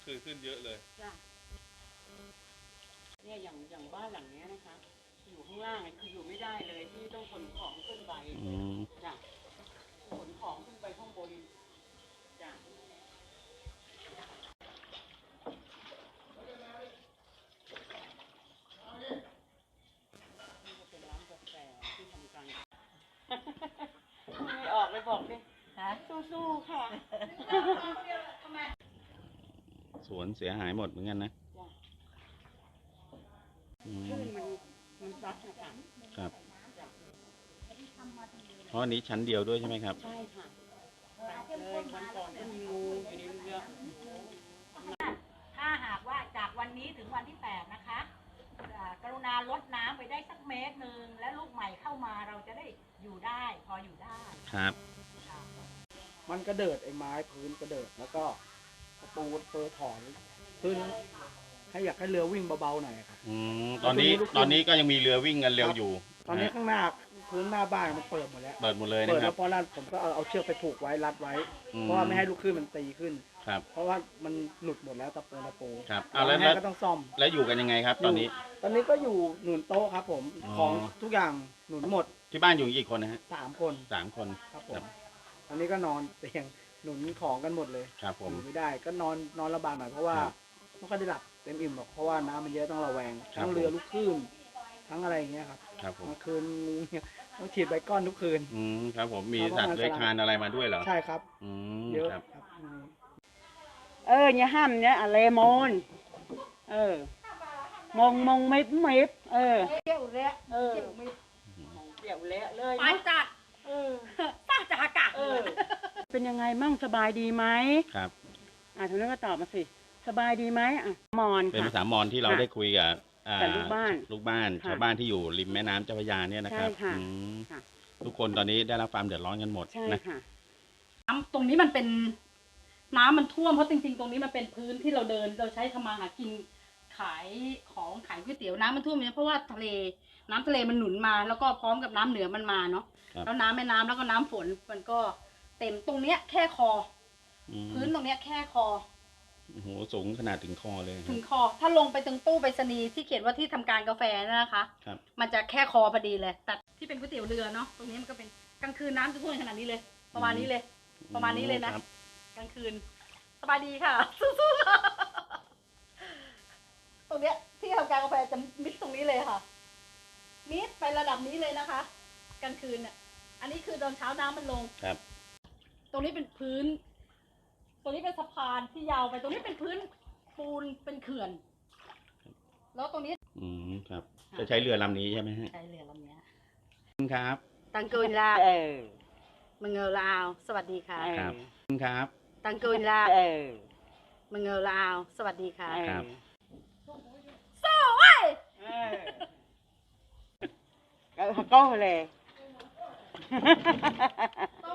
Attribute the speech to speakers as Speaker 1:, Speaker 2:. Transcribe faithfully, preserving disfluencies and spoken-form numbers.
Speaker 1: คือขึ้นเยอะเลย
Speaker 2: จ้ะเนี่ยอย่างอย่างบ้านหลังนี้นะคะอยู่ข้างล่างคืออยู่ไม่ได้เลยที่ต้องขนของขึ้นไปจ้ะขนของขึ้นไปข้างบนจ้ะนี่จะเป็นร้านกาแฟที่ทำการไม่ออกเลยบอกดิฮะสู้ๆค่ะ
Speaker 1: สวนเสียหายหมดเหมือนกันนะ
Speaker 2: คลื่นมันมันซัดนะคะ
Speaker 1: ครับเพราะอันนี้ชั้นเดียวด้วยใช่ไหมครับ
Speaker 2: ใช่ค่ะเลยวันก่อนก็มีงูอยู่ในเรือ
Speaker 3: ถ้าหากว่าจากวันนี้ถึงวันที่แปดนะคะกรุณาลดน้ำไปได้สักเมตรหนึ่งและลูกใหม่เข้ามาเราจะได้อยู่ได้พออยู่ได้
Speaker 1: ครับ
Speaker 4: มันกระเดิดไอ้ไม้พื้นกระเดิดแล้วก็ประตูเปิดถอนพื้นให้อยากให้เรือวิ่งเบาๆหน่อยครับ
Speaker 1: อืมตอนนี้ตอนนี้ก็ยังมีเรือวิ่งกันเร็วอยู่
Speaker 4: ตอนนี้ข้างหน้าพื้นหน้าบ้านมันเปิดหมดแล้ว
Speaker 1: เปิดหมดเลยนะครับ
Speaker 4: เปิดแล้วเพราะนั้นผมก็เอาเอาเชือกไปผูกไว้รัดไว้เพราะว่าไม่ให้ลูกคลื่นมันตีขึ้น
Speaker 1: ครับ
Speaker 4: เพราะว่ามันหลุดหมดแล้วตะปูตะปู
Speaker 1: ครับเอาแล้วแล้ว
Speaker 4: ก็ต้องซ่อม
Speaker 1: แล้วอยู่กันยังไงครับตอนนี้
Speaker 4: ตอนนี้ก็อยู่หนุนโต๊ะครับผมของทุกอย่างหนุนหมด
Speaker 1: ที่บ้านอยู่กี่คนนะฮะ
Speaker 4: สามคน
Speaker 1: สามคน
Speaker 4: ครับผมตอนนี้ก็นอนเตียงหนุนของกันหมดเลย
Speaker 1: ครับผม
Speaker 4: อยู่ไม่ได้ก็นอนนอนระบากหน่อยเพราะว่าไม่ค่อยได้หลับเต็มอิ่มหรอกเพราะว่าน้ำมันเยอะต้องระแวงทั้งเรือลูกคลื่นทั้งอะไรอย่างเงี้ยครับ
Speaker 1: ครับผม
Speaker 4: เมื่อคืนงูเนี่ยต้องฉีดใบก้อนทุกคืน
Speaker 1: อืมครับผมมีสัตว์เลื้อยคลานอะไรมาด้วยเหรอ
Speaker 4: ใช่ครับ
Speaker 1: อืม
Speaker 4: เยอะ
Speaker 1: ครับ
Speaker 2: เออเนี่ยห้ามเนี่ยอะไรมอนเออมองมองไม่ไม่เออ
Speaker 3: เกี่ยวเละ
Speaker 2: เออเกี่ยวเละเลย
Speaker 3: ปานจัดเออป้าจักกะ
Speaker 2: เออเป็นยังไงมั่งสบายดีไหม
Speaker 1: ครับ
Speaker 2: อ่าทุกท่านก็ตอบมาสิสบายดีไหมอ่ะมอน
Speaker 1: เป็นภาษามอญที่เราได้คุยกับ
Speaker 2: ลูกบ้าน
Speaker 1: ลูกบ้านชาวบ้านที่อยู่ริมแม่น้ำเจ้าพระยาเนี่ยนะครับทุกคนตอนนี้ได้รับความเดือดร้อนกันหมดนะ
Speaker 3: น้ำตรงนี้มันเป็นน้ำมันท่วมเพราะจริงๆตรงนี้มันเป็นพื้นที่เราเดินเราใช้ทำมาหากินขายของขายก๋วยเตี๋ยวน้ำมันท่วมเนี่ยเพราะว่าทะเลน้ำทะเลมันหนุนมาแล้วก็พร้อมกับน้ำเหนือมันมาเนาะแล้วน้ำแม่น้ำแล้วก็น้ำฝนมันก็เต็มตรงเนี้ยแค่คอพื้นตรงเนี้ยแค่คอ
Speaker 1: โอ้โหสูงขนาดถึงคอเลย
Speaker 3: ถึงคอถ้าลงไปตรงตู้ไปรษณีย์ที่เขียนว่าที่ทำการกาแฟนะคะ
Speaker 1: ครับ
Speaker 3: มันจะแค่คอพอดีเลยแต่ที่เป็นก๋วยเตี๋ยวเรือเนาะตรงนี้มันก็เป็นกลางคืนน้ำจะท่วมขนาดนี้เลยประมาณนี้เลยประมาณนี้เลยนะกลางคืนสบายดีค่ะสู้ๆค่ะตรงเนี้ยที่ทำการกาแฟจะมิดตรงนี้เลยค่ะมิดไประดับนี้เลยนะคะกลางคืนอ่ะอันนี้คือตอนเช้าน้ำมันลง
Speaker 1: ครับ
Speaker 3: ตรงนี้เป็นพื้นตรงนี้เป็นสะพานที่ยาวไปตรงนี้เป็นพื้นปูนเป็นเขื่อนแล้วตรงนี้
Speaker 1: อืมครับจะใช้เรือลำนี้ใช่ไหมฮะ
Speaker 3: ใช้เรือลำนี้
Speaker 1: ครับ
Speaker 3: ตังกุนลาเออมึงเงาลาวสวัสดีค่ะ
Speaker 1: ครับครับ
Speaker 3: ตังกุนลาเออมึงเงาลาวสวัสดีค่ะ
Speaker 1: ครับ
Speaker 3: สู้ไว้
Speaker 2: ก็ก็เลย